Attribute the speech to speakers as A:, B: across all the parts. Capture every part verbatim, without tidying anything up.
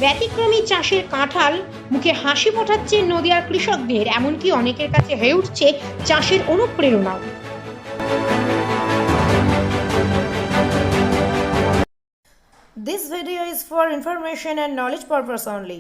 A: ব্যতিক্রমী চাষের কাঁঠাল মুখে হাসি ফোটাচ্ছে নদিয়ার কৃষকদের, এমনকি অনেকের কাছে হয়ে উঠছে চাষের অনুপ্রেরণাও।
B: This video is for information and knowledge purpose only.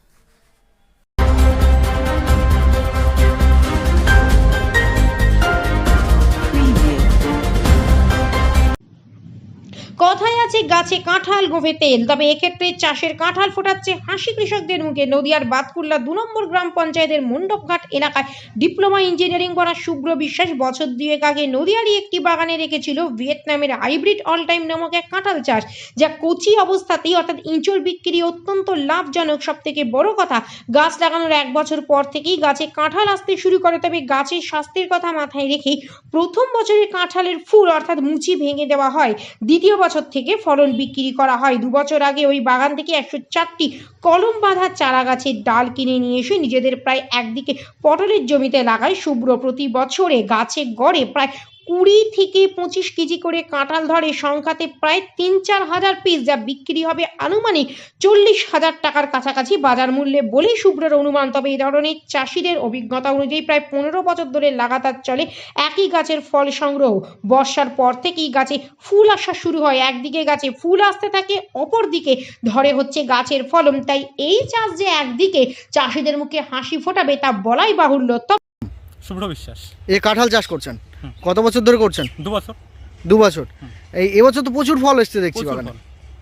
A: কথায় আছে গাছে কাঁঠাল গোভে তেল, তবে এক্ষেত্রে চাষের কাঁঠাল ফোটাচ্ছে হাসি কৃষকদের মুখে। নদিয়ার বাতকুল্লা দু নম্বর গ্রাম পঞ্চায়েতের মণ্ডপঘাট এলাকায় ডিপ্লোমা ইঞ্জিনিয়ারিং পড়া শুভ্র বিশ্বাস বছর দুয়েক আগে নদিয়ারই একটি বাগানে রেখেছিল ভিয়েতনামের হাইব্রিড অল টাইম নামক এক কাঁঠাল চাষ, যা কচি অবস্থাতেই অর্থাৎ ইঁচড় বিক্রি অত্যন্ত লাভজনক। সব থেকে বড় কথা, গাছ লাগানোর এক বছর পর থেকেই গাছে কাঁঠাল আসতে শুরু করে। তবে গাছের স্বাস্থ্যের কথা মাথায় রেখেই প্রথম বছরে কাঁঠালের ফুল অর্থাৎ মুচি ভেঙে দেওয়া হয়, দ্বিতীয় বছর থেকে ফলন বিক্রি করা হয়। দু বছর আগে ওই বাগান থেকে একশো চারটি কলম বাঁধা চারা গাছের ডাল কিনে নিয়ে এসে নিজেদের প্রায় একদিকে পটলের জমিতে লাগায় শুভ্র। প্রতি বছরে গাছে গড়ে প্রায় কুড়ি থেকে পঁচিশ কেজি করে কাঁঠাল ধরে, সংখ্যাতে প্রায় তিন চার হাজার পিস, যা বিক্রি হবে আনুমানিক চল্লিশ হাজার টাকার কাছাকাছি বাজার মূল্যে বলেই শুভ্রের অনুমান। তবে এই ধরনের চাষিদের অভিজ্ঞতা অনুযায়ী প্রায় পনেরো বছর ধরে লাগাতার চলে একই গাছের ফল সংগ্রহ। বর্ষার পর থেকেই গাছে ফুল আসা শুরু হয়, একদিকে গাছে ফুল আসতে থাকে, অপর দিকে ধরে হচ্ছে গাছের ফলন। তাই এই চাষ যে একদিকে চাষিদের মুখে হাসি ফোটাবে তা বলাই বাহুল্য।
C: শুভ্র বিশ্বাস।
D: এই কাঁঠাল চাষ করছেন কত বছর ধরে করছেন?
C: দু বছর।
D: দু বছর। এই এবছর তো প্রচুর ফল এসছে দেখছি বাগানে।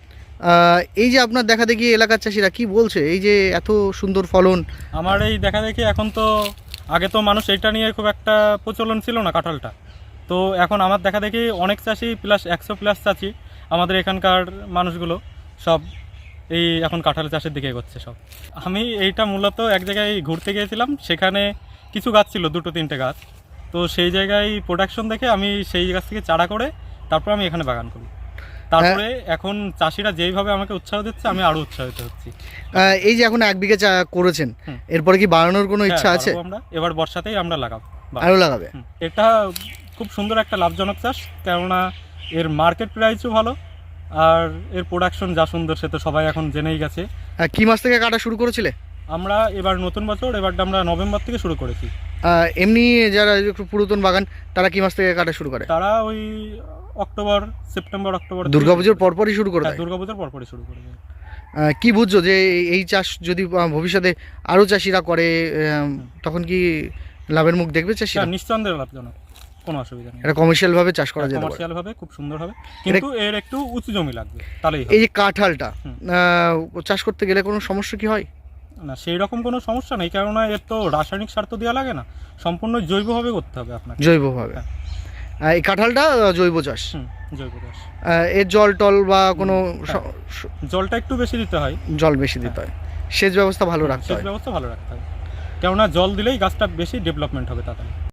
D: এই যে আপনার দেখা দেখি এলাকার চাষিরা কি বলছে, এই যে এত সুন্দর ফলন?
C: আমার এই দেখা দেখি এখন তো, আগে তো মানুষ এইটা নিয়ে খুব একটা প্রচলন ছিল না কাঁঠালটা, তো এখন আমার দেখা দেখি অনেক চাষি প্লাস একশো প্লাস চাষি আমাদের এখানকার মানুষগুলো সব এই এখন কাঁঠাল চাষের দিকে এগোচ্ছে সব। আমি এইটা মূলত এক জায়গায় ঘুরতে গিয়েছিলাম, সেখানে কিছু গাছ ছিল, দুটো তিনটে গাছ, তো সেই জায়গায় প্রোডাকশন দেখে আমি সেই গাছ থেকে চারা করে তারপর আমি এখানে বাগান করি। তারপরে এখন চাষিরা যেইভাবে আমাকে উৎসাহ দিচ্ছে আমি আরো উৎসাহিত হচ্ছি।
D: এই যে এখন এক বিঘে চা করেছেন, এরপরে কি বাড়ানোর কোনো ইচ্ছা আছে?
C: আমরা এবার বর্ষাতেই আমরা লাগাবো,
D: আরো লাগাবে।
C: এটা খুব সুন্দর একটা লাভজনক চাষ, কেননা এর মার্কেট প্রাইসও ভালো আর এর প্রোডাকশন যা সুন্দর সে তো সবাই এখন জেনেই গেছে।
D: কি মাস থেকে কাটা শুরু করেছিলে?
C: আমরা এবার নতুন বছর, এবারটা আমরা নভেম্বর থেকে শুরু করেছি।
D: এমনি যারা একটু পুরাতন বাগান তারা কি মাস থেকে কাটা শুরু করে?
C: তারা ওই অক্টোবর, সেপ্টেম্বর অক্টোবর,
D: দুর্গাপুজোর পরপরই শুরু করে।
C: দুর্গাপুজোর পরপরই শুরু করে।
D: কি বুঝছো যে এই চাষ যদি ভবিষ্যতে আরো চাষিরা করে তখন কি লাভের মুখ দেখবে চাষিরা?
C: নিঃসন্দেহে লাভজনক, কোনো অসুবিধা নেই।
D: এটা কমার্শিয়াল ভাবে চাষ করা যেতে পারে,
C: কমার্শিয়াল ভাবে খুব সুন্দর হবে, কিন্তু এর একটু উঁচু জমি লাগবে তাহলেই।
D: এই যে কাঁঠালটা চাষ করতে গেলে কোনো সমস্যা কি হয়?
C: না, সেই রকম কোনো সমস্যা নেই, কেননা এর তো রাসায়নিক সার তো দেওয়া লাগে না, সম্পূর্ণ জৈবভাবে করতে হবে আপনাকে।
D: জৈবভাবে এই কাঁঠালটা জৈব চাষ।
C: জৈব চাষ।
D: এর জল টল বা কোনো
C: জলটা একটু বেশি দিতে হয়,
D: জল বেশি দিতে হয়, সেচ ব্যবস্থা ভালো রাখতে হয়।
C: সেচ ব্যবস্থা ভালো রাখতে হয়, কেননা জল দিলেই গাছটা বেশি ডেভেলপমেন্ট হবে তাড়াতাড়ি।